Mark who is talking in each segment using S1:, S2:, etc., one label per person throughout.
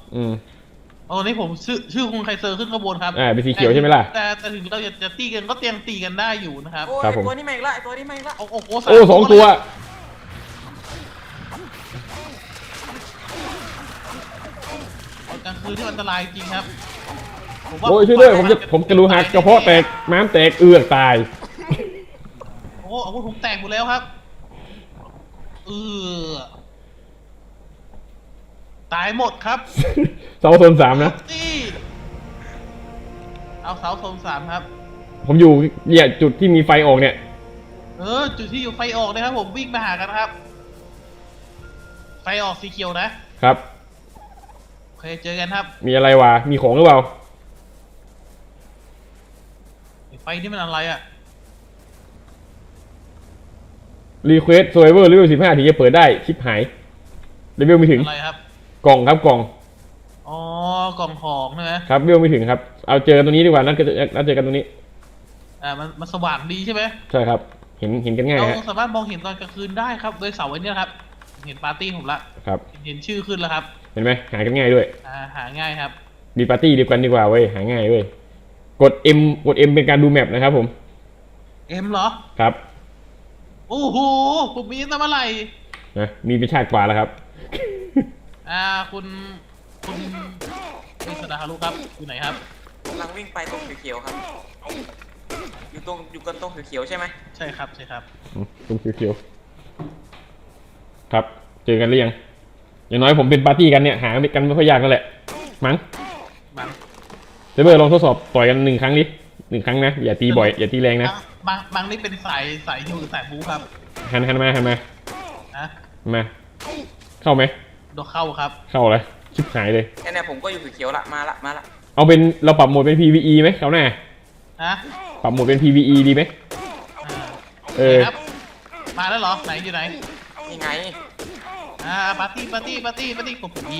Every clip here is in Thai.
S1: อืม
S2: โอ้นี่ผมชื่อคุณไคเซอร์ขึ้นขบวนครับ
S1: เป็นสีเขียวใช่ไหมล่ะ
S2: แต่ถึงเราจะตีกันก็เตียงตีกันได้อยู่นะครับ
S3: โอ้ย
S1: ครับผม
S3: ตัวนี้มาอีกละตัวนี้มาอีกละ
S2: โอ้โห
S1: โอ้สองตัว
S2: กลางคืนที่อันตรายจริงครับ
S1: โอ้ยช่วยด้วยผมจะรูหักกระเพาะแตกม้ามแตกตาย
S2: โอ้อาวุธผมแตกหมดแล้วครับเออตายหมดครับ
S1: เสาโซน3นะ
S2: นี่เอาเสาโซน3ครับ
S1: ผมอยู่เนี่ยจุดที่มีไฟออกเนี่ย
S2: จุดที่อยู่ไฟออกนะครับผมวิ่งมาหากันครับไฟออกสีเขียวนะครับโอเคเจอกันครับ
S1: มีอะไรวะมีของหรือเปล่า
S2: ไฟนี่มันอะไรอ่ะ
S1: รีเควสโซเวอร์เลเวล15ถึงจะเปิดได้ชิปหายเลเวลไม่ถึง
S2: อะไรครับ
S1: กล่องครับกล่อง
S2: อ๋อกล่องของใช่ไหม
S1: ครับเลเวลไม่ถึงครับเอาเจอกันตรงนี้ดีกว่านัดเจอกันตรงนี้
S2: มันสว่างดีใช่ไหม
S1: ใช่ครับเห็นกันง่าย
S2: เรา
S1: ฮะ
S2: สามารถมองเห็นตอนกลางคืนได้ครับโดยเสาไว้เนี่ยครับเห็นปาร์ตี้ผมละ
S1: ครับ
S2: เห็นชื่อขึ้นแล้วครับ
S1: เห็นไหมหากันง่ายด้วย
S2: หาง่ายครับ
S1: มีปาร์ตี้เดียวกันดีกว่าเว้ยหาง่ายเว้ยกด M เป็นการดูแมปนะครับผม
S2: เอ็มเหรอ
S1: ครับ
S2: โอ้โหผมมีตั้งเมื่อไหร่
S1: นะมีเป็นชาติกว่าแล้วครับ
S2: คุณเป็นสดาฮารุครับอยู่ไหนครับ
S3: กำลังวิ่งไปตรงเขียวๆครับอยู่กันตรงเขียวๆใช่ไหม
S2: ใช่ครับใช่ครับ
S1: ตรงเขียวๆครับเจอกันหรือยังอย่างน้อยผมเป็นปาร์ตี้กันเนี่ยหากันไม่ค่อยยากนั่นแหละมั้งเซเบอร์ลองทดสอบต่อยกัน1 ครั้งดิ1 ครั้งนะอย่าตีบ่อยอย่าตีแรงนะ
S2: บางนี่เป็นสายฮิวหรือสายบูครับ
S1: หันมามาเข้าไหม
S2: โดนเข้าครับ
S1: เข้าเลยชิบหายเลย
S3: แค่นี้ผมก็อยู่เขียวๆละมาละ
S1: เอาเป็นเราปรับโหมดเป็น PVE ไหมเขาหน้าปรับโหมดเป็น PVE ดีไหม
S2: ครับมาแล้วเหรอไหนอยู่ไหน
S3: นี่ไง
S2: ปาร์ตี้ผมยี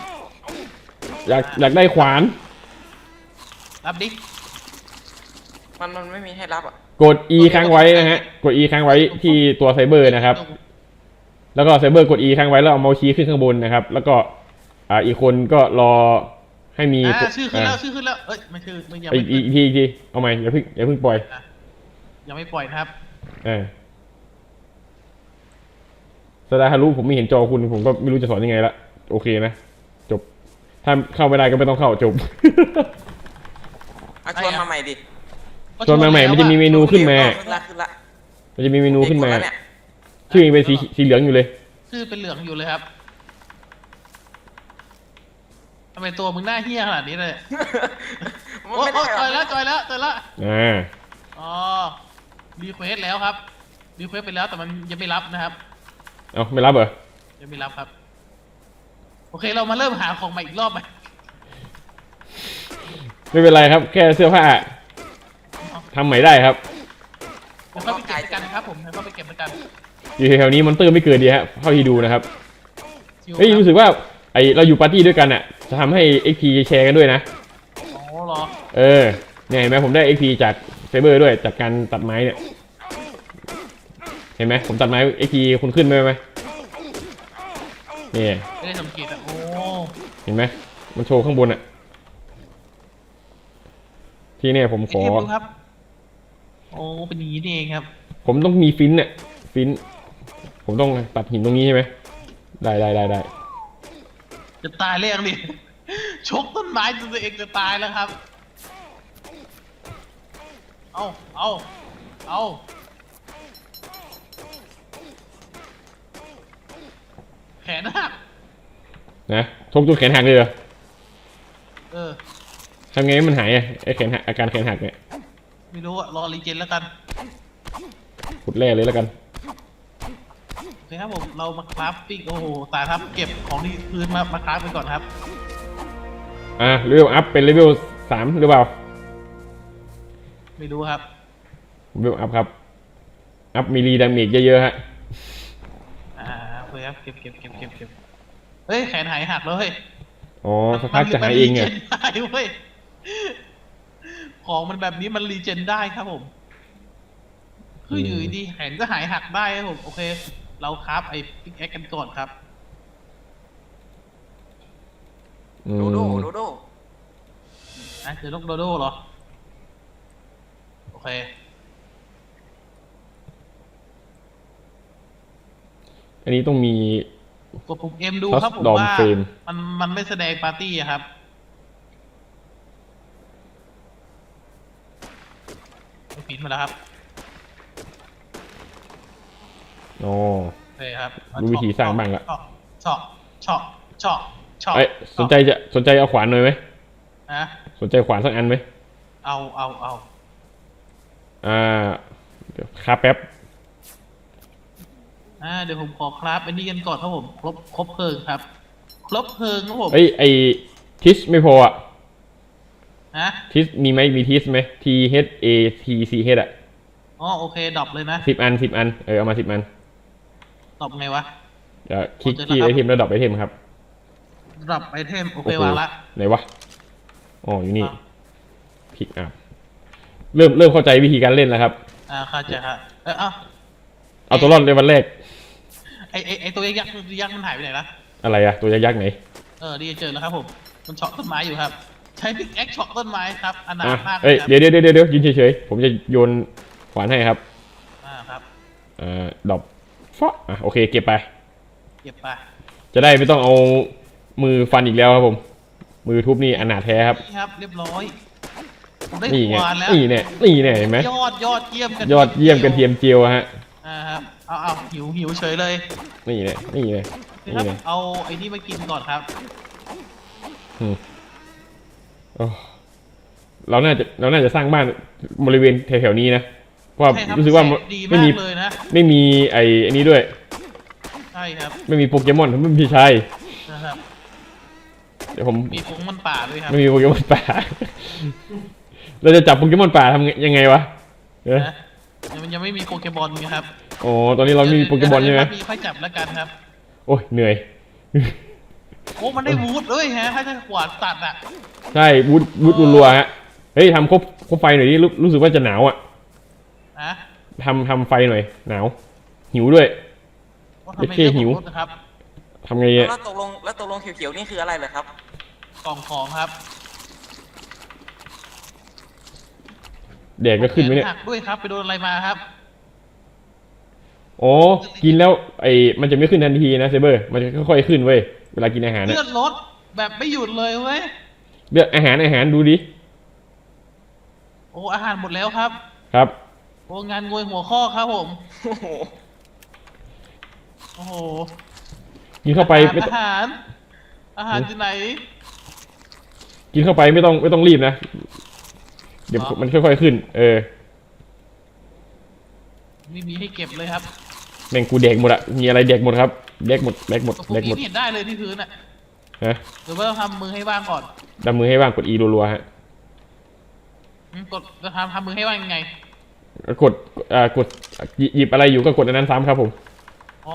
S1: อยากได้ขวาน
S2: รับดิ
S3: มันไม่มีให้รับอ่ะ
S1: กด E ค้างไว้นะฮะกด E ค้างไว้ที่ตัวไซเบอร์นะครับแล้วก็ไซเบอร์กด E ค้างไว้แล้วเอาเมาส์ชี้ขึ้นข้างบนนะครับแล้วก็อีกคนก็รอให้มี
S2: ชื่อขึ้นแล้วเอ้ยไม่ชื่อไม่ยัง
S1: อีกทีเอาใหม่อย่าเพิ่งปล่อย
S2: ยังไม่ปล่อยครับ
S1: สดาฮารุผมไม่เห็นจอคุณผมก็ไม่รู้จะสอนยังไงละโอเคนะจบถ้าเข้าไม่ได้ก็ไม่ต้องเข้าจบ
S3: ชวนมาใหม่ดิ
S1: ชวนมาใหม่มันจะมีเมนูขึ้นมามันจะมีเมนูขึ้นมาชื่อยังเป็นสีเหลืองอยู่เลย
S2: ชื่อเป็นเหลืองอยู่เลยครับทำไมตัวมึงหน้าเหี้ยขนาดนี้เลยโอ้จอยแล้วอ๋อรีเควสแล้วครับรีเควสไปแล้วแต่มันยังไม่รับนะครับ
S1: เอาไม่รับเหรอ
S2: ยังไม่รับครับโอเคเรามาเริ่มหาของใหม่อีกรอบไหม
S1: ไม่เป็นไรครับแค่เสื้อผ้าทำใหม่ได้ครับ
S2: ผมเข้าไปเก็บกันครับผมเข้าไปเก็บกัน
S1: อยู่แถวนี้มอนเตอร์ไม่เกิดดีฮะเท่าที่ดูนะครับเฮ้ยรู้สึกว่าเราอยู่ปาร์ตี้ด้วยกันอ่ะจะทำให้ XP แชร์กันด้วยนะ
S2: อ๋อเหรอ
S1: เนี่ยเห็นไหมผมได้ XP จากไซเบอร์ด้วยจากการตัดไม้เนี่ยเห็นไหมผมตัดไม้ XP คุณขึ้นไหมนี่
S2: ไม่ได้สังเกตอ่ะโอ้
S1: เห็นไหมมันโชว์ข้างบนอ่ะที่เนี่ยผมขอ
S2: ครับโอ้เป็นอย่างนี้นี่เองครับ
S1: ผมต้องมีฟินเนี่ยฟินผมต้องตัดหินตรงนี้ใช่ไหมได้
S2: จะตายเรื่องดิชกต้นไม้ตัวเองจะตายแล้วครับเอาแขนหัก
S1: นะชกจนแขนหักเลยเหรอทำไงมันหายไอ้แขนหักอาการแขนหักเนี่ย
S2: ไม่รู้อะรอรีเจนแล้วกัน
S1: ขุดแร่เลยแล้วกัน
S2: โอเคครับผมเรามาคราฟปิ้งโอ้โหตายครับเก็บของที่พื้นมาคราฟไปก่อนครับ
S1: เลเวลอัพเป็นเลเวล3หรือเปล่า
S2: ไม่รู้ครับ
S1: เลเวลอัพครับอัพมีรีดาเมจเยอะๆฮะ
S2: โอเคครับเก็บเฮ้ยแขนหายหักแล้วเฮ้ย
S1: อ๋อสักพักจะหายเองไง
S2: เว้ยของมันแบบนี้มันรีเจนได้ครับผมคืออยู่ดีแขนก็หายหักได้ครับผมโอเคเราคราฟไอ้พิกแอคกันก่อนครับ
S1: อื
S3: โดโด
S1: ม
S3: โดโด
S2: นะเจอนกโดโดเหรอโอเค
S1: อันนี้ต้องมี
S2: กดปุ่ม M ดู
S1: Custom
S2: ครับผมว่า
S1: frame
S2: มันไม่แสดงปาร์ตี้อะครับไม่ปิดมาแล้วครับ
S1: อ๋อ
S2: โอเคครับ
S1: รู้วิธีสร้างบ้างละ
S2: เฉาะเฉาะเฉาะเฉาะ
S1: เอ้ยสนใจเอาขวานหน่อยไหม
S2: นะ
S1: สนใจขวานสักอันไหม
S2: เอา
S1: เดี๋ยวครับแป๊บ
S2: เดี๋ยวผมขอครับอันนี้กันก่อนครับผมครบเพลิงครับ ครบเพลิงครับผม
S1: เอ้ยไอทิสไม่พออ่ะ
S2: นะ
S1: ทิสมีไหมมีทิสไหม T H A T C H อ่ะ
S2: อ๋อโอเคดรอปเลยนะ
S1: 10 อันเอามา10 อัน
S2: ดรอปไงวะ
S1: เดี๋ยวคลิก
S2: เจอแล้ว
S1: ที่
S2: ครับ
S1: ไอเทมแล้วดรอปไอเทมครับ
S2: ดรอปไอเทมโอเควางละ
S1: ไหนวะอ๋ออยู่นี่
S2: อ่ะ
S1: พิกอัพเริ่มเข้าใจวิธีการเล่นแล้วครับ
S2: เข้าใจครับเอา
S1: เอาตัวรอดในวันแรก
S2: ไอตัวยักษ์มันหายไปไหนละ
S1: อะไรอะตัวยักษ์ไหน
S2: ดีเจอแล้วครับผมมันเฉาะต้นไม้อยู่ครับ ใช้พิกแอคเฉาะต้นไม้ครับอนาถ
S1: อ่ะ
S2: มาก
S1: เอ้ย
S2: ครับ
S1: เดี๋ยวยืนเฉยๆผมจะโยนขวานให้ครับ
S2: ครับ
S1: ดรอปฟะโอเคเก็บไป
S2: เก็บไป
S1: จะได้ไม่ต้องเอามือฟันอีกแล้วครับผม มือทุบนี่อนาถแท้ครับ
S2: นี่ครับเรียบร้อยผมได้
S1: นี่ไง
S2: ขวานแล้ว
S1: นี่เนี่ยเห็นไหม
S2: ยอดเยี่ยมกัน
S1: ยอดเยี่ยมกันเทียมเจียวฮะ
S2: ครับเอาหิวเฉยเลย
S1: นี่เนี่ย
S2: ครับเอาไอ้นี่มากินก่อนครับ
S1: โอ้เราน่าจะสร้างบ้านบริเวณแถวๆนี้นะเพราะว่า
S2: ใช่คบ
S1: รู้สึกว่า
S2: แสงดี
S1: ไม่
S2: มาก
S1: มี
S2: เลยนะ
S1: ไม่มีอันนี้ด้วย
S2: ใช่ครับ
S1: ไม่มีโปเกมอนไม่มีใช่
S2: นะครับ
S1: เดี๋ยวผม
S2: มีผงมันป่าด้วยครับ
S1: ไม่มีโปเกมอนป่า เราจะจับโปเกมอนป่าทำยังไงวะเออ
S2: นะมันยังไม่มีโปเกมอนไงครับ
S1: อ๋อตอนนี้เราไม่มีโปเกมอนใช่ไหม
S2: มีค่อยจับแล้วกันครับ
S1: โอ้ยเหนื่อย
S2: โอ้มันได้วูดด้วยฮะถ้าจะขวานตัดอ่ะ
S1: ใช่วุดรัวๆฮะเฮ้ยทำคบไฟหน่อยดิรู้สึกว่าจะหนาวอ่ะ
S2: นะ
S1: ทำไฟหน่อยหนาวหิวด้วย
S2: ว่าทำไม
S1: เด็กเท่หิว
S2: เรื่องของรถนะครับ
S1: ทำไงอ่ะ
S3: แล้วตกลงเขียวๆนี่คืออะไรเหรอครับ
S2: กล่องของครับ
S1: แดดก็ขึ้นไหมเนี่ย
S2: หักด้วยครับไปโดนอะไรมาครับ
S1: อ๋อกินแล้วมันจะไม่ขึ้นทันทีนะเซเบอร์มันจะค่อยๆขึ้นเว้ยเวลากินอาหารนะ
S2: เลือดลดแบบไม่หยุดเลยเว้ย
S1: เลือกอาหารดูดิ
S2: โอ้อาหารหมดแล้วครับ
S1: ครับ
S2: โอ้งานงวยหัวข้อครับผม
S3: โอ้โห
S2: โอ้โห
S1: กินเข้าไปไม่ต้อง
S2: อาหารที่ไหน
S1: กินเข้าไปไม่ต้องรีบนะเดี๋ยว
S2: อ๋อ
S1: มันค่อยๆขึ้น
S2: ไม่มีให้เก็บเลยครับ
S1: แม่งกูแดกหมดอะมีอะไรแดกหมดครับแดกหมด
S2: พวกนี้ไม่เห็นได้เลยที่พื้นอ่ะ
S1: ฮะ
S2: หรือว่าต้องทำมือให้ว่างก่อน
S1: ดำมือให้ว่างกด E รัวๆฮะ
S2: กดจะทำมือให้ว่างยังไง
S1: กดหยิบอะไรอยู่ก็กดอันนั้นซ้ำครับผม
S2: อ๋อ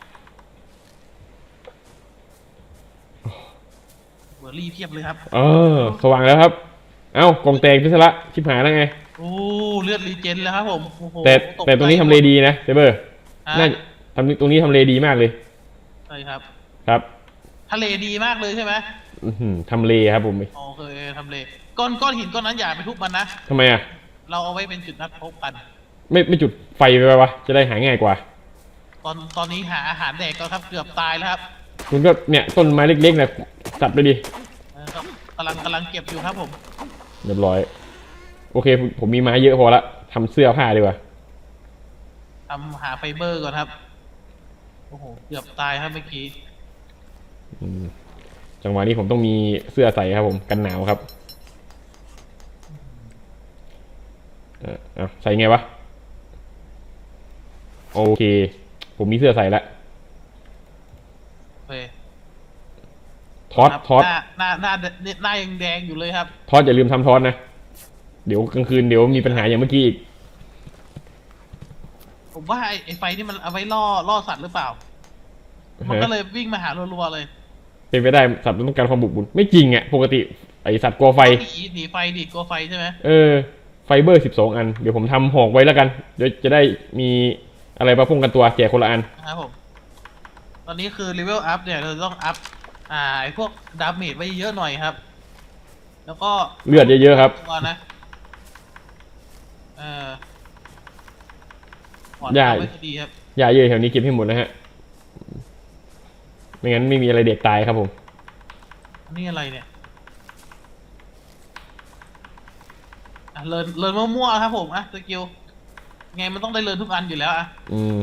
S2: เบอร์รี่เพียบเลยครับ
S1: สว่างแล้วครับ เอ้ากล่องแตกพิศละชิบหายแล้วไง
S2: โอ้เลือดรีเจนแล้วครับผมโอ้โห
S1: แต่ตรงนี้ทำเลดีนะเซเบอร์
S2: อ่ะ
S1: น่าตรงนี้ทำเลดีมากเลย
S2: ใช่ครับ
S1: ครับ
S2: ทะเลดีมากเลยใช่ไหม
S1: ทำเลครับผม
S2: โอเคทำเลก้อนหินก้อนนั้นอย่าไปทุบมันนะ
S1: ทำไมอ่ะ
S2: เราเอาไว้เป็นจุดนัดพบกัน
S1: ไม่จุดไฟไปวะจะได้หาง่ายกว่า
S2: ตอนนี้หาอาหารแดกก็ครับเกือบตายแล้วครับ
S1: คุณก็เนี่ยต้นไม้เล็กๆนะตัดไปดิ
S2: ก็กำลังเก็บอยู่ครับผม
S1: เรียบร้อย โอเคผมมีไม้เยอะพอละทำเสื้อผ้าดีกว่า
S2: หาไฟเบอร์ก่อนครับโอ้โหเกือบตายครับเมื่อกี้
S1: จังหวะนี้ผมต้องมีเสื้อใส่ครับผมกันหนาวครับใส่ไงวะโอเค ผมมีเสื้อใส่แล้ว
S2: โอเค
S1: ทอด
S2: หน้ายังแดงอยู่เลยครับ
S1: ทอดอย่าลืมทำทอดนะเดี๋ยวกลางคืนเดี๋ยวมีปัญหาอย่างเมื่อกี้อีก
S2: ผมว่าไอ้ไฟนี่มันเอาไว้ล่อสัตว์หรือเปล่า มันก็เลยวิ่งมาหารัวๆเลย
S1: เป็นไปได้สัตว์ต้องการความบุกบุญไม่จริงอ่ะปกติไอสัตว์กลัวไฟ
S2: หนีไฟดิกลัวไฟใช่ไหม
S1: ไฟเบอร์12 อันเดี๋ยวผมทำหอกไว้แล้วกันเดี๋ยวจะได้มีอะไรมาป้องกันตัวแจกคนละอัน
S2: นะครับผมตอนนี้คือเลเวลอัพเนี่ยเราต้องอัพไอพวกดาเมจไว้เยอะหน่อยครับ แล้วก็
S1: เลือดเยอะๆครับ
S2: ตัวนะขอน
S1: ได้
S2: เอาไว้ก็ดีครับ
S1: ยาเยอะแถวนี้เก็บให้หมดนะฮะ ไม่งั้นไม่มีอะไรเด็กตายครับผม
S2: อันนี้อะไรเนี่ยเลินมั่วๆครับผมสกิลไงมันต้องได้เลินทุกอันอยู่แล้ว
S1: อืม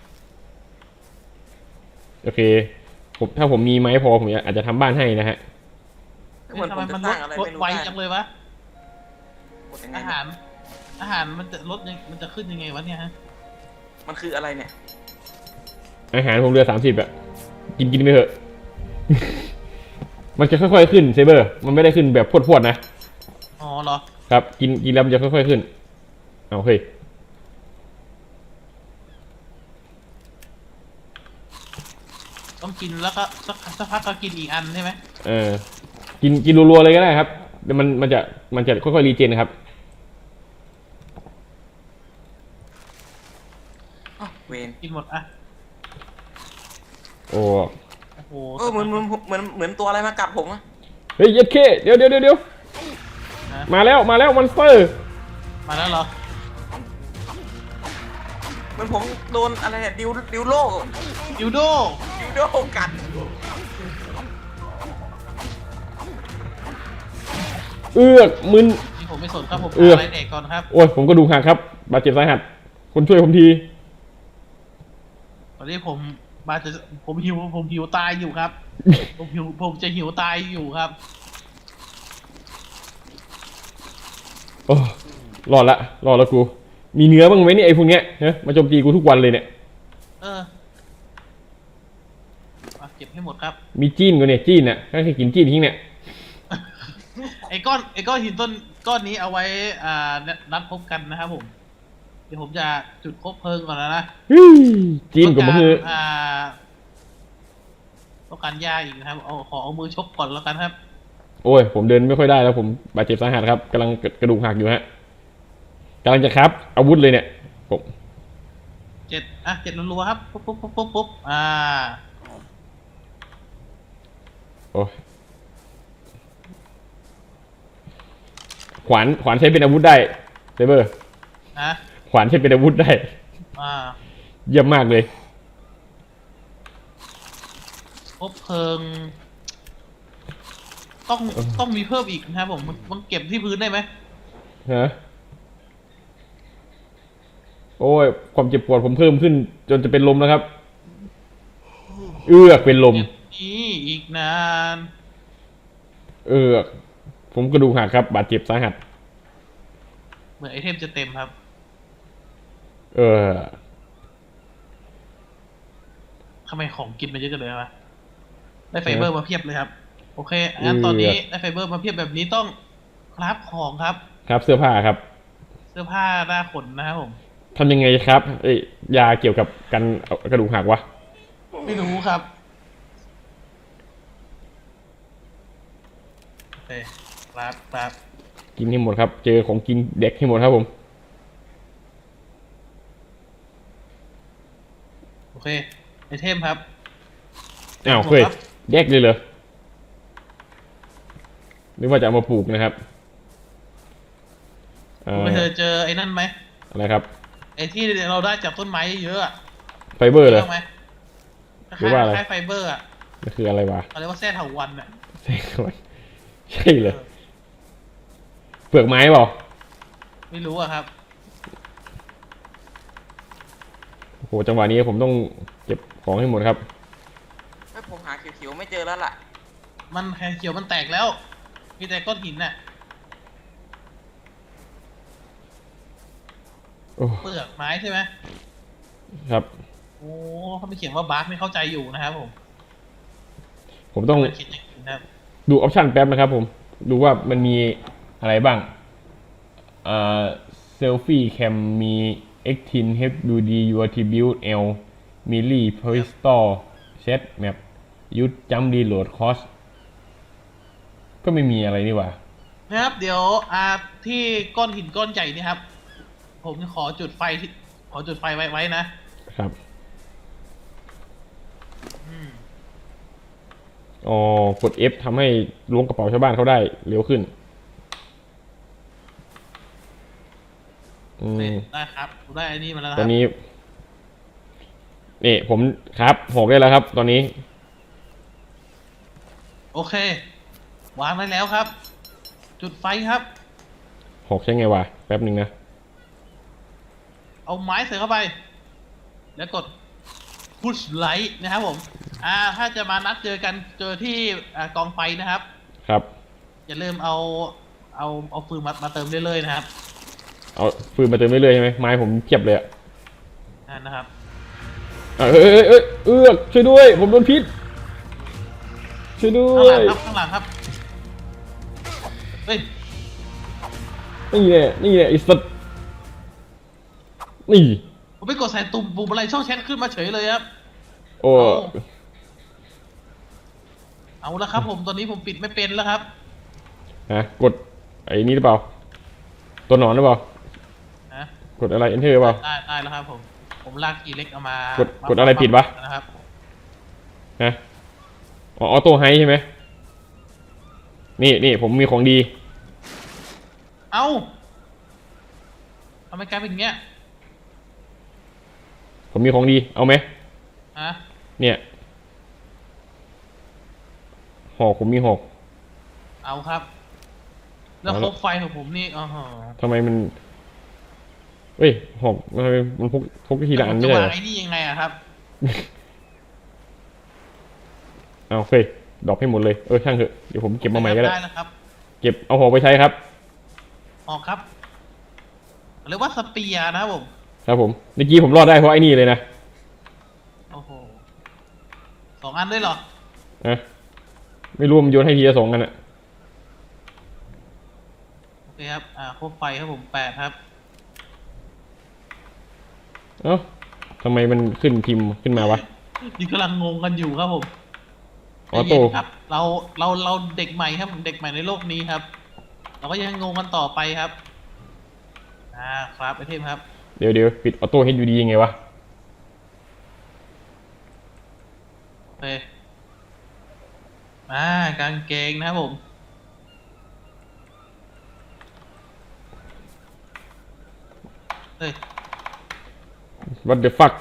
S1: โอเคถ้าผมมีไม้พอผมอาจจะทำบ้านให้นะฮะ
S3: เหมือน
S2: ทำ
S3: ผ
S2: ไม
S3: มจะ
S2: มัน
S3: ส
S2: ล
S3: ร้า
S2: ด
S3: งอะไร
S2: ลด
S3: ไม่รู้
S2: ไว
S3: ได้
S2: จังเลยวะ
S3: กดยังไง
S2: อา
S3: เนี่
S2: หาย รอาหารมันจะลดยังมันจะขึ้นยังไงวะเนี่ยฮะ
S3: มันคืออะไรเนี่ย
S1: อาหารผมเหลือ30อ่ะ กินไปเถอะ มันจะค่อยๆขึ้นเซเบอร์ มันไม่ได้ขึ้นแบบพรวดๆนะ
S2: อ๋อเหรอ
S1: ครับ กินแล้วมันจะค่อยๆขึ้น เอาเฮ้ย
S2: ต้องกินแล้วก็สักพักก็กินอีกอันใช่ไหม
S1: กินรัวๆเลยก็ได้ครับเดี๋ยวมันจะค่อยๆรีเจนครับ
S3: อ้าวเวน
S2: กินหมด
S1: โอ้
S2: โอ้โห
S3: เหมือนตัวอะไรมากัดผมอะ
S1: เฮ้ยเย็ดเคเดี๋ยวมาแล้วมอนสเตอร์
S2: มาแล้วเหรอ
S3: เหมือนผมโดนอะไรเนี่ยดิวโล
S2: ยูโด
S3: ดิวโดกัด
S1: เอือกมึน
S2: นี่ผมไม่สนครับผม
S1: เออ
S2: อะไรเด็กก่อนครับ
S1: โอ้ยผมก็ดูหักครับ บาดเจ็บสาหัส คนช่วยผมที
S2: ตอนนี้ผมหิวตายอยู่ครับ ผมจะหิวตายอยู่ครับ
S1: โอ้รอดละกู มีเนื้อบ้างไหมเนี่ยไอ้พวกเนี้ยฮะมาโจมตีกูทุกวันเลยเนี่ย
S2: เก็บให้หมดครับ
S1: มีจีนกูเนี่ยจีนน่ะก็คือกินจีนทิ้งเนี่ย
S2: ไอ้ก้อนหินก้อนนี้เอาไว้นัดพบกันนะครับผม เดี๋ยวผมจะจุดคบเพลิงก่อนแล้วนะ
S1: จีนกับมือ
S2: ต้องการยาอีกนะครับขอเอามือชกก่อนแล้วกันครับ
S1: โอ้ยผมเดินไม่ค่อยได้แล้วผมบาดเจ็บสาหัสครับกำลังกระดูกหักอยู่ฮะกำลังจะครับอาวุธเลยเนี่ยผม
S2: 7รัวๆครับปุ๊บ
S1: โอ้ยขวานใช้เป็นอาวุธได้เซเบอร์ขวานใช้เป็นอาวุธได้เยี่ยมมากเลย
S2: คบเพลิงต้องมีเพิ่มอีกนะครับผมมันเก็บที่พื้นได้ไหม
S1: ฮะโอ้ยความเจ็บปวดผมเพิ่มขึ้นจนจะเป็นลมแล้วครับ เอือกเป็นลม
S2: นี่อีกนาน
S1: เอือกผมกระดูกหักครับบาดเจ็บสาหัส
S2: เหมือนไอเทมจะเต็มครับ ทำไมของกินมันเยอะกันเลยวะได้ไฟเบอร์มาเพียบเลยครับ โอเคงั้นตอนนี้ได้ไฟเบอร์มาเพียบแบบนี้ต้องคราฟของครับ
S1: ครับเสื้อผ้าครับ
S2: เสื้อผ้าหน้าขนนะครับผม
S1: ทำยังไงครับยาเกี่ยวกับการเอากระดูกหักวะ
S2: ไม่รู้ครับโอเคครับ
S1: กินให้หมดครับ เจอของกินเด็กให้หมดครับผม
S2: โอเคไอเทมครับ
S1: อ้าวเฮ้ยแยกเลยเหรอนึกว่าจะเอามาปลูกนะครับ
S2: คุณเคยเจอไอ้นั่นไหม
S1: อะไรครับ
S2: ไอ้ที่เราได้จากต้นไม้เยอะ
S1: ไฟเบอร์เลย
S2: ไหม
S1: หรือว่าอะไร
S2: คล้ายไฟเบอร์
S1: มันคืออะไรวะ
S2: เขาเรียกว่าแส้เถาวัลย์
S1: ใช่เลยเปลือกไม้เปล่า
S2: ไม่รู้ครับ
S1: โอ้โหจังหวะนี้ผมต้องเก็บของให้หมดครับ
S3: ผมหาเขียวๆไม่เจอแล้วล่ะ
S2: มันแค่เขียวมันแตกแล้วมีแต่ก้อนหินน่ะ เปลือกไม้ใช่ไหม
S1: ครับ
S2: โอ้เขาไม่เขียนว่าบาร์กไม่เข้าใจอยู่นะครับผม
S1: ต้อง
S2: มันคิดอย่างนี้นะครับ
S1: ดูออปชันแป๊บนะครับผมดูว่ามันมีอะไรบ้างเซลฟี่แคมมี X10 HUD UATBuild L Milli Pistol Set Map ยุดจัมรีโหลดคอสก็ไม่มีอะไรนี่หว่า
S2: นะครับเดี๋ยวที่ก้อนหินก้อนใหญ่นี่ครับ ผมขอจุดไฟไว้นะครับ
S1: อ๋อกด F ทำให้ล้วงกระเป๋าชาวบ้านเขาได้เร็วขึ้น
S2: ได้ครับผมได้ไอ้นี่มาแล้วนะค
S1: ตอ
S2: รั
S1: น
S2: บ
S1: นี้นี่ผมครับหกได้แล้วครับ ตอนนี้
S2: โอเค วางได้แล้วครับ จุดไฟครับ
S1: หกใช่ไงวะแป๊บหนึ่งนะ
S2: เอาไม้ใส่เข้าไป แล้วกด push light นะครับผมถ้าจะมานัดเจอกันเจอที่กองไฟนะครับ
S1: ครับ
S2: อย่าลืมเอาฟืนมาเติมเรื่อยๆนะครับ
S1: เอาฟืนมาเติมเรื่อยๆใช่ไหมไม้ผมเพียบเลยอะ
S2: นะครับ
S1: ช่วยด้วย ผมโดนพิษช่วยด้
S2: ข้าง
S1: ว
S2: หลัง
S1: ย
S2: ครับข้างหลังครับเฮ้ย
S1: นี่แหละไอ้สัตว์นี่
S2: ผมไปกดใส่ปุ่มอะไรช่องแชทขึ้นมาเฉยเลยครับ
S1: โอ้
S2: เอาละครับผมตอนนี้ผมปิดไม่เป็นแล้วครับ
S1: ฮะกดไอ้นี่หรือเปล่า ตัวหนอนหรือเปล่า
S2: นะ
S1: กดอะไร enter หรือเปล่า
S2: ได้แล้วครับผมลากกีเล็กเอามาก
S1: ดอะไรผิดวะ
S2: นะครับ
S1: ฮะอ๋อออโต้ไฮใช่ไหมนี่ผมมีของดี
S2: เอ้าทำไมกลายเป็นอย่างเงี้ย
S1: ผมมีของดี เอาไหม
S2: ฮะ
S1: เนี่ยหอกผมมีหอก
S2: เอาครับ แล้ว
S1: เอา
S2: โค
S1: ละ
S2: บไฟของผมนี่อ๋อ
S1: ทำไมมันเฮ้ยหอกทำไมมันพกทีละอันไม่
S2: จะ
S1: ใช่
S2: วา
S1: เห
S2: ง
S1: รอ
S2: ไอ้นี่ยังไงอะครับ
S1: เอาเฟ้ยดรอกให้หมดเลยช่างเถอะเดี๋ยวผมเก็บมาใหม่ก็ได้
S2: ได้แล้วครับ
S1: เก็บเอาหอกไปใช้ครับ
S2: ออกครับเรียกว่าสเปียร์นะครับผม
S1: ครับผมเมื่อกี้ผมรอดได้เพราะไอ้นี่เลยนะ
S2: โอ้โห2 อันด้วยเหรอ
S1: นะไม่รู้มันโยนให้ทีละ2กันอะ
S2: โอเคครับโคบไฟครับผม8ครับ
S1: เอ้าทำไมมันขึ้นพิมพ์ขึ้นมาวะ
S2: นี่กำลังงงกันอยู่ครับผม
S1: ออโต้
S2: ใจเย็นครับเราเด็กใหม่ครับผมเด็กใหม่ในโลกนี้ครับ เราก็ยังงงกันต่อไปครับครับไอเทมครับ
S1: เดี๋ยวปิดออโต้ให้อยู่ดียังไงวะ
S2: โอเคกางเกงนะครับผมเฮ้ย
S1: What the fuck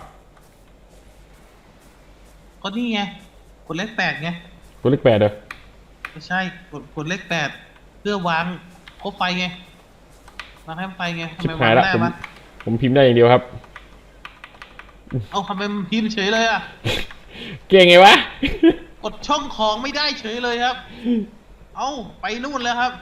S2: ก็นี่ไงกดเลข8ไง
S1: ตัวเลข8เหรอ
S2: ไม่ใช่กดเลข8เพื่อวางครบไฟไงวางให้ไฟไงทำ
S1: ชิบ
S2: ไม
S1: หาว
S2: าย ง
S1: ละ
S2: ได้
S1: ผม
S2: วะ
S1: ผมพิมพ์ได้อย่างเดียวครับ
S2: เอาทำไมมันพิมพ์เฉยเลยอะ
S1: เก่งไงวะ
S2: กดช่องของไม่ได้เฉยเลยครับ เอาไปนู่นแล้วครับ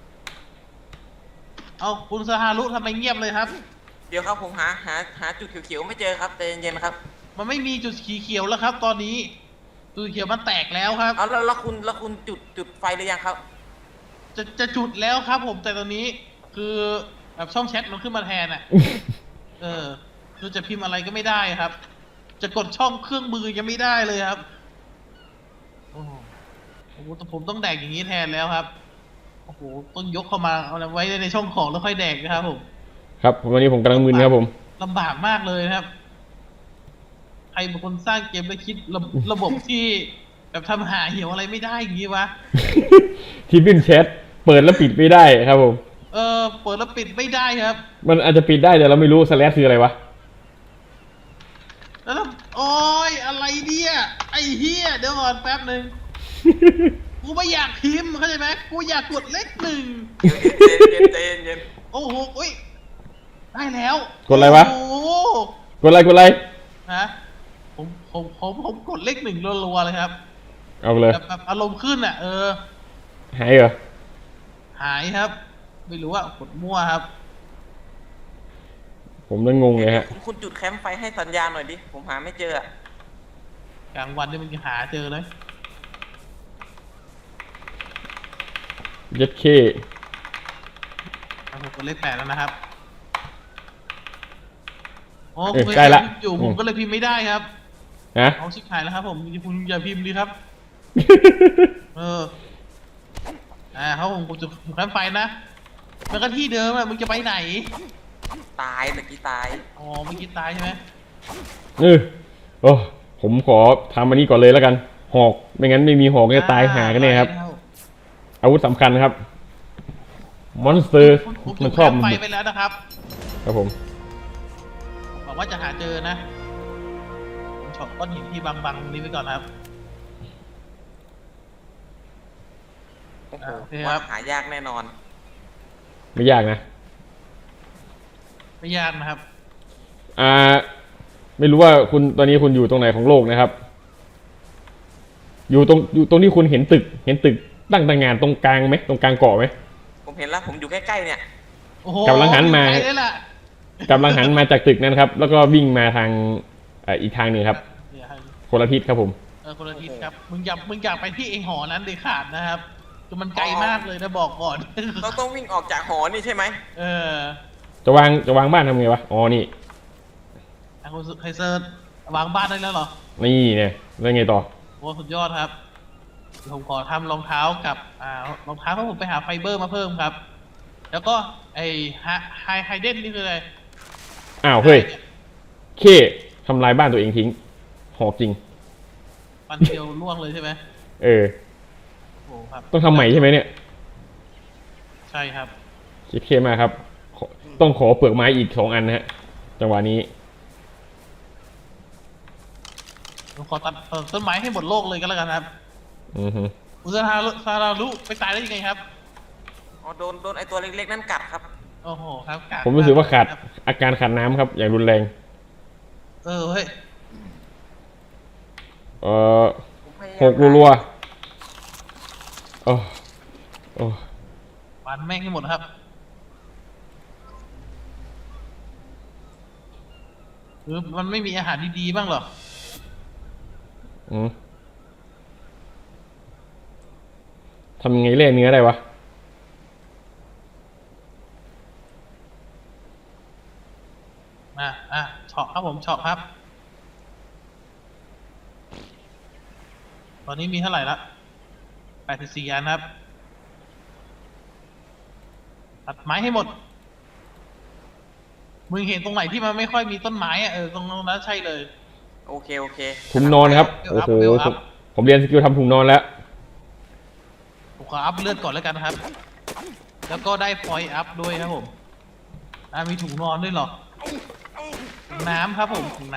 S2: เอาคุณสฮารุทำไมเงียบเลยครับ
S3: เดี๋ยวครับผมหาจุดเขียวๆไม่เจอครับใจเย็นๆนะครับ
S2: มันไม่มีจุดสีเขียวแล้วครับ ตอนนี้จุดเขียวมันแตกแล้วครับ
S3: เอาแล้วคุณจุดไฟหรือยังครับ
S2: จะจุดแล้วครับ ผมแต่ตอนนี้คือแบบช่องแชทมันขึ้นมาแทนอ่ะ คือจะพิมพ์อะไรก็ไม่ได้ครับ จะกดช่องเครื่องมือยังไม่ได้เลยครับโอ้โหผมต้องแดกอย่างนี้แทนแล้วครับโอ้โหต้องยกเข้ามาเอาไว้ในช่องของแล้วค่อยแดกนะครับผม
S1: ครับวันนี้ผมกำลังมึนครับผม
S2: ลำบากมากเลยนะครับ ใครเป็นคนสร้างเกมแล้วคิดระบบที่แบบทำหาเหี่ยวอะไรไม่ได้อย่างนี้วะ
S1: ที่บินแชทเปิดแล้วปิดไม่ได้ครับผม
S2: เปิดแล้วปิดไม่ได้ครับ
S1: มันอาจจะปิดได้แต่เราไม่รู้สแลชคืออะไรวะ
S2: แล้วโอ้ยอะไรเนี่ยไอ้เฮียเดี๋ยวก่อนแป๊บหนึ่งกูไม่อยากพิมพ์เข้าใจไหมกูอยากกดเลข1
S3: ใจเย็น
S2: โอ้โหอุ้ยได้แล้ว
S1: กดอะไรวะ
S2: โอ้โห
S1: กดอะไร
S2: ฮะผมกดเลข1รัวๆเลยครับ
S1: เอาไปเลย
S2: แบบอารมณ์ขึ้นอ่ะ
S1: หายเหรอ
S2: หายครับ ไม่รู้ว่ากดมั่วครับ
S1: ผมเริ่มงงเลยฮะ
S3: คุณจุดแคมป์ไฟให้สัญญาณหน่อยดิผมหาไม่เจออะ
S2: กลางวันนี่มันจะหาเจอเลย
S1: ยัดเค
S2: ผมกดเลข8แล้วนะครับโอ้
S1: ใกล้ละ
S2: อยู่ผมก็เลยพิมพ์ไม่ได้ครับ
S1: นะ
S2: เอาชิบหายแล้วครับผมคุณอย่าพิมพ์ดีครับ เขาผมจะแคมป์ไฟนะมันก็ที่เดิมอะมึงจะไปไหน
S3: ตายตะกี้ตาย
S2: อ๋อเมื่อกี้ตายใช่ไหม
S1: โอ้ผมขอทำอันนี้ก่อนเลยแล้วกันหอกไม่งั้นไม่มีหอกก็จะตายหากันเนี่ยครับ อาวุธสำคัญครับมอนสเตอร์
S2: ผม
S1: มัน
S2: จุด
S1: ชอบ
S2: แคมป์ไฟ
S1: บุก
S2: ไปแล้วนะครับ
S1: ครับผม
S2: บอกว่าจะหาเจอนะผมช็อตก้อนหินที่บังๆนี้ไว้ก่อนครับ
S3: โอ้โห
S2: โอเคครับ
S3: ว่าหายากแน่นอน
S1: ไม่ยากนะ
S2: ไม่ยากนะครับ
S1: อ่า ไม่รู้ว่าคุณตอนนี้คุณอยู่ตรงไหนของโลกนะครับ อยู่ตรงที่คุณเห็นตึกตั้งงานตรงกลางไหมตรงกลางเกาะไหม
S3: ผมเห็นแล้วผมอยู่ใกล้ๆเนี่ย
S2: โอ้โห
S1: กำลังหันมา
S2: อยู่ไกลเลยล่ะ
S1: กำลังหันมาจากตึกนั้นครับ แล้วก็วิ่งมาทางอีกทางหนึ่งครับ
S2: เนี่ยครับ
S1: คนละทิศครับผม
S2: คนละทิศครับ มึงอยากไปที่ไอหอนั้นเด็ดขาดนะครับคือมันไกลมากเลยนะบอกก่อน
S3: เราต้องวิ่งออกจากหอนี่ใช่ไหม
S2: เออ
S1: จะวางบ้านทำไงวะ อ๋อ นี่
S2: คุณไคเซอร์วางบ้านได้แล้วเหรอ
S1: นี่เนี่ยแล้วไงต่อ
S2: โอ้สุดยอดครับเดี๋ยวผมขอทำรองเท้ากับรองเท้าเพราะผมไปหาไฟเบอร์มาเพิ่มครับ แล้วก็ไอไฮเดนนี่คืออะไร
S1: อ้าว เฮ้ย เคทำลายบ้านตัวเองทิ้ง หอกจริง
S2: ปันเดียวล่วงเลยใช่ไหม
S1: เออ
S2: โอ้ครับ
S1: ต้องทำใหม่ใช่ไหมเนี่ย
S2: ใช่ครับ
S1: คิดเคมากครับ ต้องขอเปลือกไม้อีก2 อันนะฮะ จังหวะนี้
S2: ผมขอตัดต้นไม้ให้หมดโลกเลยก็แล้วกันครับ
S1: อือฮึ
S2: อุซาราลุไปตายได้ยังไงครับ
S3: อ๋อโดนไอตัวเล็กๆนั่นกัดครับ
S2: โอ้โหครับก
S1: ผมรู้สึกว่าขาด
S2: ครับ
S1: อาการขาดน้ำครับ อย่างรุนแรง
S2: เฮ้ย
S3: ผมพยายาม
S1: หกรัวๆโอ้โอ้
S2: ปันแม่งให้หมดครับหรือมันไม่มีอาหารดีๆบ้างเหรอ
S1: อืมทำยังไงแล่เนื้อได้วะ
S2: เฉาะครับผมเฉาะครับ ตอนนี้มีเท่าไหร่ละ84 อันครับ ตัดไม้ให้หมด มึงเห็นตรงไหนที่มันไม่ค่อยมีต้นไม้อะตรงนั้นใช่เลย
S3: โอเค
S1: ถุงนอนครับ
S2: เวล
S1: โอ้
S2: อัพ
S1: โห
S2: เวลอัพ
S1: ผมเรียนสกิลทำถุงนอนแล้ว
S2: ผมขออัพเลือดก่อนแล้วกันนะครับ แล้วก็ได้พอยต์อัพด้วยครับผมมีถุงนอนด้วยเหรอถุงน้ำครับผมถุงน้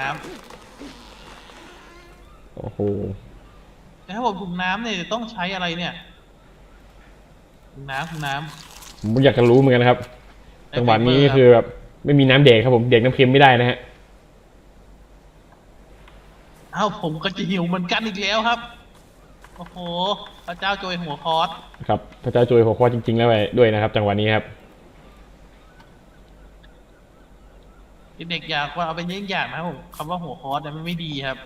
S1: โอ้โห
S2: ำแต่ถ้าผมถุงน้ำเนี่ยต้องใช้อะไรเนี่ย ถุงน้ำ
S1: ผมอยากจะรู้เหมือนกันนะครับ จังหวะนี้
S2: ไฟเบอร์ครับ
S1: คือแบบไม่มีน้ำเด็กครับผม เด็กน้ำเค็มไม่ได้นะฮะ
S2: ผมก็จะหิวเหมือนกันอีกแล้วครับ โอ้โห พระเจ้าโจยหัวคอร์ส
S1: ครับ พระเจ้าจุยหัวข้อจริงๆแล้วไปด้วยนะครับ จังหวะนี้ครับ
S2: เด็กอยากว่าเอาเป็นเยี่ยงอย่างนะครับผมคำว่าหัวคอร์สเนี่ยมันไม่ดีครับ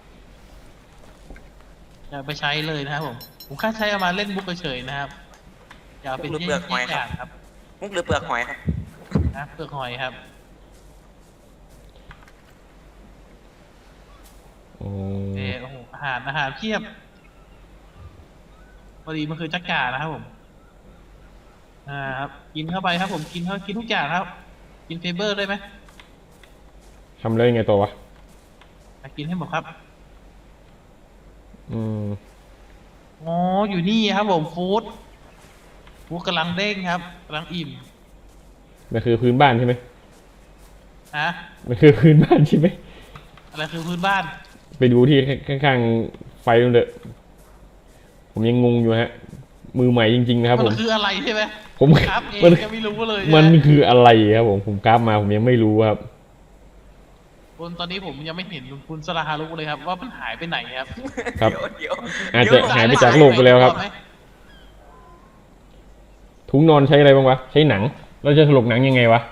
S2: อย่าไปใช้เลยนะครับผมแค่ใช้เอามาเล่นมุกเฉยๆนะครับอย่าเอาเป็นเยี่ยงอย่างครับ
S3: มุกหรือเปลือกหอยครับ
S2: นะเปลือกหอยครับ
S1: โอ้
S2: โอ้โหอาหารเพียบพอดีมันคือจักรานะครับผมครับกินเข้าไปครับผมกินทุกอย่างครับ กินไฟเบอร์ได้ไหม
S1: ทำเลยยังไงตัววะ
S2: กินให้หมดครับ
S1: อืม
S2: อ๋ออยู่นี่ครับผมฟู้ดกำลังเด้งครับกำลังอิ่ม
S1: มันคือพื้นบ้านใช่ไหม
S2: ฮะ
S1: มันคือพื้นบ้านใช่ไหม
S2: อะไรคือพื้นบ้าน
S1: ไปดูที่ข้างๆไฟนั่นเถอะผมยังงงอยู่ฮะ มือใหม่จริงๆนะครับ
S2: มั
S1: ผม
S2: นคืออะไรใช่ไหม
S1: ผม
S2: ครับเอง
S1: มัน
S2: ยังไม่รู้เลย
S1: มัน
S2: นะ
S1: คืออะไรครับผมกราฟมาผมยังไม่รู้ครับ
S2: คุณตอนนี้ผมยังไม่เห็นคุณสลาฮารุเลยครับว่ามันหายไปไหนครับ
S1: ครับ
S3: เดี๋ยว
S1: อาจจะหายไปจากโลกไปแล้วครับ ถุงนอนใช้อะไรบ้างวะ ใช้หนัง เราจะถลกหนังยังไงวะ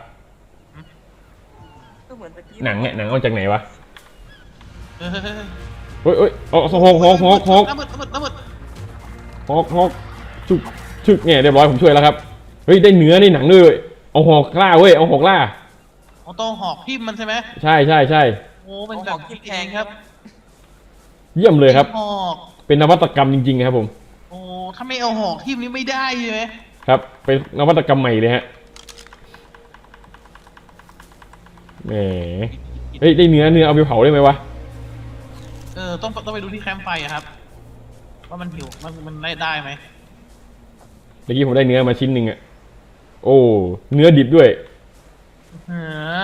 S3: ก็เหมือนตะกี้
S1: หนังเนี่ยหนังเอาจากไหนวะ
S2: เฮ้ย
S1: เฮ้ยเอาหอก
S2: น้ำมืด
S1: หอกชึกเนี่ยเรียบร้อยผมช่วยแล้วครับ เฮ้ยได้เนื้อในหนังด้วยเอาหอกล่าเว้ย เอาหอกล่า
S2: เอาต้องหอกทิ่มมันใช่ไหม
S1: ใช่
S2: โอ้เป็นแบบคิดเองครับ
S1: เยี่ยมเลยครับ
S2: หอก
S1: เป็นนวัตกรรมจริงๆครับผม
S2: โอ้ถ้าไม่เอาหอกทิ่มนี่ไม่ได้ใช่ไหม
S1: ครับ เป็นนวัตกรรมใหม่เลยฮะ แหม เฮ้ยได้เนื้อเอาไปเผาได้ไหมวะ
S2: ต้องไปดูที่แคมป์ไฟอะครับว่ามันหิวมันได้ไหม
S1: เมื่อกี้ผมได้เนื้อมาชิ้นหนึ่งอะโอ้เนื้อดิบด้วย
S2: เออ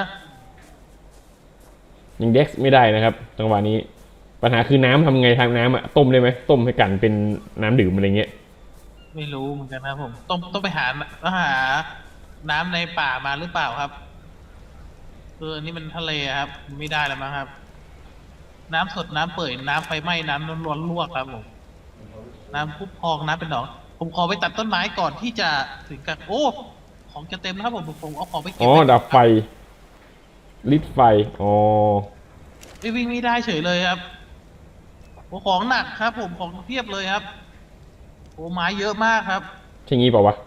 S1: ยังเด็กไม่ได้นะครับจังหวะนี้ปัญหาคือน้ำทำไงทางน้ำอะต้มได้ไหมต้มให้กันเป็นน้ำดื่มอะไรเงี้ย
S2: ไม่รู้เหมือนกันนะครับผมต้องไปหาน้ำในป่ามาหรือเปล่าครับอันนี้มันทะเลครับไม่ได้แล้วมั้งครับ น้ำสดน้ำเปื่อยน้ำไฟไหม้น้ำร้อนลวกครับผมน้ำพุพองน้ำเป็นหนองผมขอไปตัดต้นไม้ก่อนที่จะถึงกันโอ้ของจะเต็มแล้วครับผมเอาของไปเก็บ
S1: อ๋อ
S2: ว้
S1: ดับไฟลิดไฟอ๋อ
S2: วิ่งไม่ได้เฉยเลยครับโอ้ของหนักครับผมของเพียบเลยครับโอ้ไม้เยอะมากครับ
S1: ใช่งี้เปล่าวะ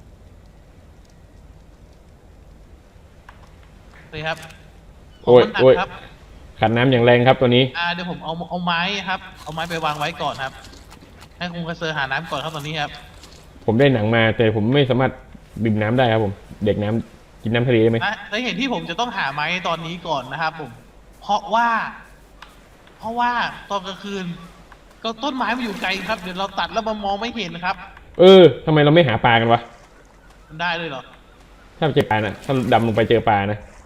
S2: เลยครับขง
S1: โอ้ย
S2: มันหนัก
S1: โอ้ย
S2: ครับ
S1: ขันน้ำอย่างแรงครับตัวนี้
S2: เดี๋ยวผมเอาไม้ครับเอาไม้ไปวางไว้ก่อนครับให้คุณกระเซอร์หาน้ำก่อนครับตอนนี้ครับ
S1: ผมได้หนังมาแต่ผมไม่สามารถดื่มน้ำได้ครับผมเด็กน้ำกินน้ำทะเลได้ไหม
S2: และเห็นที่ผมจะต้องหาไม้ตอนนี้ก่อนนะครับผมเพราะว่าตอนกลางคืน ก็ต้นไม้มันอยู่ไกลครับเดี๋ยวเราตัดแล้วมันมองไม่เห็นนะครับ
S1: ทำไมเราไม่หาปลากันวะ
S2: มันได้เลยเหรอ
S1: ถ้าเจอปลานะถ้าดำลงไปเจอปลานะ